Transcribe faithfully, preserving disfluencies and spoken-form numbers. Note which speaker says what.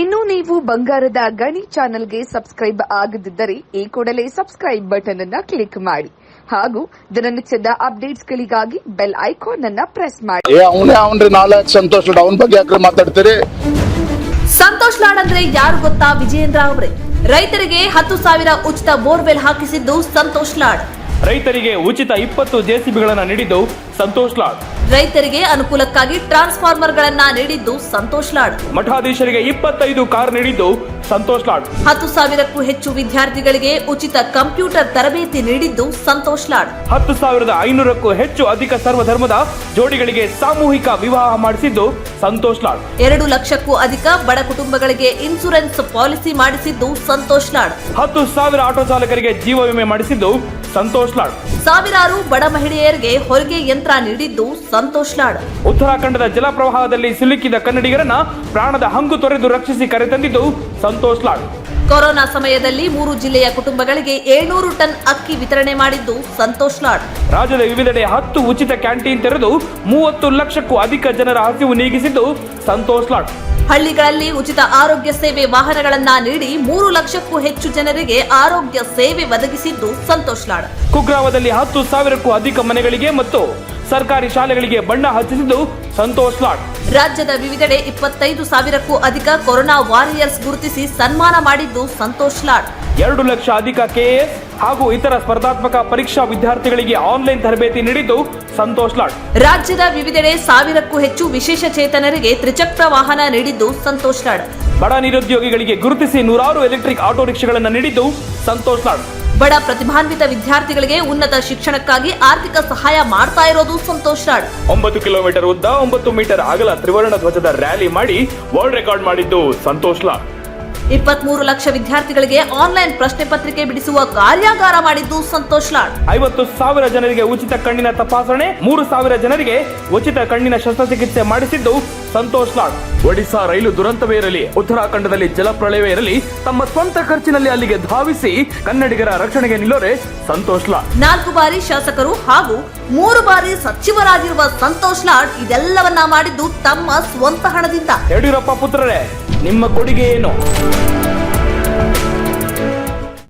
Speaker 1: ಇನ್ನು ನೀವು ಬಂಗಾರದ ಗಣಿ ಚಾನೆಲ್ಗೆ ಸಬ್ಸ್ಕ್ರೈಬ್ ಆಗದಿದ್ದರೆ ಈ ಕೂಡಲೇ ಸಬ್ಸ್ಕ್ರೈಬ್ ಬಟನ್ ಅನ್ನು ಕ್ಲಿಕ್ ಮಾಡಿ ಹಾಗೂ ದಿನನಿತ್ಯದ ಅಪ್ಡೇಟ್ಸ್ಗಳಿಗಾಗಿ ಬೆಲ್ ಐಕಾನ್ ಅನ್ನು ಪ್ರೆಸ್ ಮಾಡಿ.
Speaker 2: ಅವನೇ ಅವನ್ರಿ ನಾಲ್ಕು ಸಂತೋಷ್ ಲಾಡ್ ಅವನ ಬಗ್ಗೆ ಯಾಕೆ ಮಾತಾಡ್ತೀರಿ?
Speaker 3: ಸಂತೋಷ್ ಲಾಡ್ ಅಂದ್ರೆ ಯಾರು ಗೊತ್ತಾ? ವಿಜಯೇಂದ್ರ ಅವರೇ. ರೈತರಿಗೆ ಹತ್ತು ಸಾವಿರ ಉಚಿತ ಬೋರ್ವೆಲ್ ಹಾಕಿಸಿದ್ದು ಸಂತೋಷ್ ಲಾಡ್.
Speaker 4: ರೈತರಿಗೆ ಉಚಿತ ಇಪ್ಪತ್ತು ಜೆಸಿಬಿಗಳನ್ನು ನೀಡಿದ್ದು ಸಂತೋಷ್ ಲಾಡ್.
Speaker 3: ರೈತರಿಗೆ ಅನುಕೂಲಕ್ಕಾಗಿ ಟ್ರಾನ್ಸ್ಫಾರ್ಮರ್ ಗಳನ್ನ ನೀಡಿದ್ದು ಸಂತೋಷ್ ಲಾಡ್.
Speaker 4: ಮಠಾಧೀಶರಿಗೆ ಇಪ್ಪತ್ತೈದು ಕಾರ್ ನೀಡಿದ್ದು ಸಂತೋಷ್ ಲಾಡ್.
Speaker 3: ಹತ್ತು ಸಾವಿರಕ್ಕೂ ಹೆಚ್ಚು ವಿದ್ಯಾರ್ಥಿಗಳಿಗೆ ಉಚಿತ ಕಂಪ್ಯೂಟರ್ ತರಬೇತಿ ನೀಡಿದ್ದು ಸಂತೋಷ್ ಲಾಡ್.
Speaker 4: ಹತ್ತು ಸಾವಿರದ ಐನೂರಕ್ಕೂ ಹೆಚ್ಚು ಅಧಿಕ ಸರ್ವಧರ್ಮದ ಜೋಡಿಗಳಿಗೆ ಸಾಮೂಹಿಕ ವಿವಾಹ ಮಾಡಿಸಿದ್ದು ಸಂತೋಷ್ ಲಾಡ್.
Speaker 3: ಎರಡು ಲಕ್ಷಕ್ಕೂ ಅಧಿಕ ಬಡ ಕುಟುಂಬಗಳಿಗೆ ಇನ್ಸೂರೆನ್ಸ್ ಪಾಲಿಸಿ ಮಾಡಿಸಿದ್ದು ಸಂತೋಷ್ ಲಾಡ್.
Speaker 4: ಹತ್ತು ಸಾವಿರ ಆಟೋ ಚಾಲಕರಿಗೆ ಜೀವ ವಿಮೆ ಮಾಡಿಸಿದ್ದು ಸಂತೋಷ್ ಲಾಡ್.
Speaker 3: ಸಾವಿರಾರು ಬಡ ಮಹಿಳೆಯರಿಗೆ ಹೊಲಿಗೆ ಯಂತ್ರ ನೀಡಿದ್ದು ಸಂತೋಷ್ ಲಾಡ್.
Speaker 4: ಉತ್ತರಾಖಂಡದ ಜಲಪ್ರವಾಹದಲ್ಲಿ ಸಿಲುಕಿದ ಕನ್ನಡಿಗರನ್ನ ಪ್ರಾಣದ ಹಂಗು ತೊರೆದು ರಕ್ಷಿಸಿ ಕರೆತಂದಿದ್ದು ಸಂತೋಷ್ ಲಾಡ್.
Speaker 3: ಕೊರೋನಾ ಸಮಯದಲ್ಲಿ ಮೂರು ಜಿಲ್ಲೆಯ ಕುಟುಂಬಗಳಿಗೆ ಏಳ್ನೂರು ಟನ್ ಅಕ್ಕಿ ವಿತರಣೆ ಮಾಡಿದ್ದು ಸಂತೋಷ್ ಲಾಡ್.
Speaker 4: ರಾಜ್ಯದ ವಿವಿಧೆಡೆ ಹತ್ತು ಉಚಿತ ಕ್ಯಾಂಟೀನ್ ತೆರೆದು ಮೂವತ್ತು ಲಕ್ಷಕ್ಕೂ ಅಧಿಕ ಜನರ ಹಸಿವು ನೀಗಿಸಿದ್ದು ಸಂತೋಷ್ ಲಾಡ್.
Speaker 3: ಹಳ್ಳಿಗಳಲ್ಲಿ ಉಚಿತ ಆರೋಗ್ಯ ಸೇವೆ ವಾಹನಗಳನ್ನ ನೀಡಿ ಮೂರು ಲಕ್ಷಕ್ಕೂ ಹೆಚ್ಚು ಜನರಿಗೆ ಆರೋಗ್ಯ ಸೇವೆ ಒದಗಿಸಿದ್ದು ಸಂತೋಷ್ ಲಾಡ್.
Speaker 4: ಕುಗ್ರಾಮದಲ್ಲಿ ಹತ್ತು ಸಾವಿರಕ್ಕೂ ಅಧಿಕ ಮನೆಗಳಿಗೆ ಮತ್ತು ಸರ್ಕಾರಿ ಶಾಲೆಗಳಿಗೆ ಬಣ್ಣ ಹಚ್ಚಿಸಿದ್ದು ಸಂತೋಷ್ ಲಾಡ್.
Speaker 3: ರಾಜ್ಯದ ವಿವಿಧೆಡೆ ಇಪ್ಪತ್ತೈದು ಸಾವಿರಕ್ಕೂ ಅಧಿಕ ಕೊರೋನಾ ವಾರಿಯರ್ಸ್ ಗುರುತಿಸಿ ಸನ್ಮಾನ ಮಾಡಿದ್ದು ಸಂತೋಷ್ ಲಾಡ್.
Speaker 4: ಎರಡು ಲಕ್ಷ ಅಧಿಕ ಕೆಎಎಸ್ ಹಾಗೂ ಇತರ ಸ್ಪರ್ಧಾತ್ಮಕ ಪರೀಕ್ಷಾ ವಿದ್ಯಾರ್ಥಿಗಳಿಗೆ ಆನ್ಲೈನ್ ತರಬೇತಿ ನೀಡಿದ್ದು ಸಂತೋಷ್ ಲಾಡ್.
Speaker 3: ರಾಜ್ಯದ ವಿವಿಧೆಡೆ ಸಾವಿರಕ್ಕೂ ಹೆಚ್ಚು ವಿಶೇಷ ಚೇತನರಿಗೆ ತ್ರಿಚಕ್ರ ವಾಹನ ನೀಡಿದ್ದು ಸಂತೋಷ್ ಲಾಡ್.
Speaker 4: ಬಡ ನಿರುದ್ಯೋಗಿಗಳಿಗೆ ಗುರುತಿಸಿ ನೂರಾರು ಎಲೆಕ್ಟ್ರಿಕ್ ಆಟೋ ರಿಕ್ಷಾಗಳನ್ನು ನೀಡಿದ್ದು ಸಂತೋಷ್ ಲಾಡ್.
Speaker 3: ಬಡ ಪ್ರತಿಭಾನ್ವಿತ ವಿದ್ಯಾರ್ಥಿಗಳಿಗೆ ಉನ್ನತ ಶಿಕ್ಷಣಕ್ಕಾಗಿ ಆರ್ಥಿಕ ಸಹಾಯ ಮಾಡ್ತಾ ಇರೋದು ಸಂತೋಷ್ ಲಾಡ್.
Speaker 4: ಒಂಬತ್ತು ಕಿಲೋಮೀಟರ್ ಉದ್ದ ಒಂಬತ್ತು ಮೀಟರ್ ಅಗಲ ತ್ರಿವರ್ಣ ಧ್ವಜದ ರ್ಯಾಲಿ ಮಾಡಿ ವರ್ಲ್ಡ್ ರೆಕಾರ್ಡ್ ಮಾಡಿದ್ದು ಸಂತೋಷ್ ಲಾಡ್.
Speaker 3: ಇಪ್ಪತ್ಮೂರು ಲಕ್ಷ ವಿದ್ಯಾರ್ಥಿಗಳಿಗೆ ಆನ್ಲೈನ್ ಪ್ರಶ್ನೆ ಪತ್ರಿಕೆ ಬಿಡಿಸುವ ಕಾರ್ಯಾಗಾರ ಮಾಡಿದ್ದು ಸಂತೋಷ್ ಲಾಡ್.
Speaker 4: ಐವತ್ತು ಸಾವಿರ ಜನರಿಗೆ ಉಚಿತ ಕಣ್ಣಿನ ತಪಾಸಣೆ, ಮೂರು ಸಾವಿರ ಜನರಿಗೆ ಉಚಿತ ಕಣ್ಣಿನ ಶಸ್ತ್ರಚಿಕಿತ್ಸೆ ಮಾಡಿಸಿದ್ದು ಸಂತೋಷ್ ಲಾಡ್. ಒಡಿಶಾ ರೈಲು ದುರಂತವೇ ಇರಲಿ, ಉತ್ತರಾಖಂಡದಲ್ಲಿ ಜಲಪ್ರಳಯವೇ ಇರಲಿ, ತಮ್ಮ ಸ್ವಂತ ಖರ್ಚಿನಲ್ಲಿ ಅಲ್ಲಿಗೆ ಧಾವಿಸಿ ಕನ್ನಡಿಗರ ರಕ್ಷಣೆಗೆ ನಿಲ್ಲೋರೆ ಸಂತೋಷ್ ಲಾಡ್.
Speaker 3: ನಾಲ್ಕು ಬಾರಿ ಶಾಸಕರು ಹಾಗೂ ಮೂರು ಬಾರಿ ಸಚಿವರಾಗಿರುವ ಸಂತೋಷ್ ಲಾಡ್ ಇದೆಲ್ಲವನ್ನ ಮಾಡಿದ್ದು ತಮ್ಮ ಸ್ವಂತ ಹಣದಿಂದ.
Speaker 4: ಯಡಿಯೂರಪ್ಪ ಪುತ್ರರೇ, ನಿಮ್ಮ ಕೊಡುಗೆ ಏನು?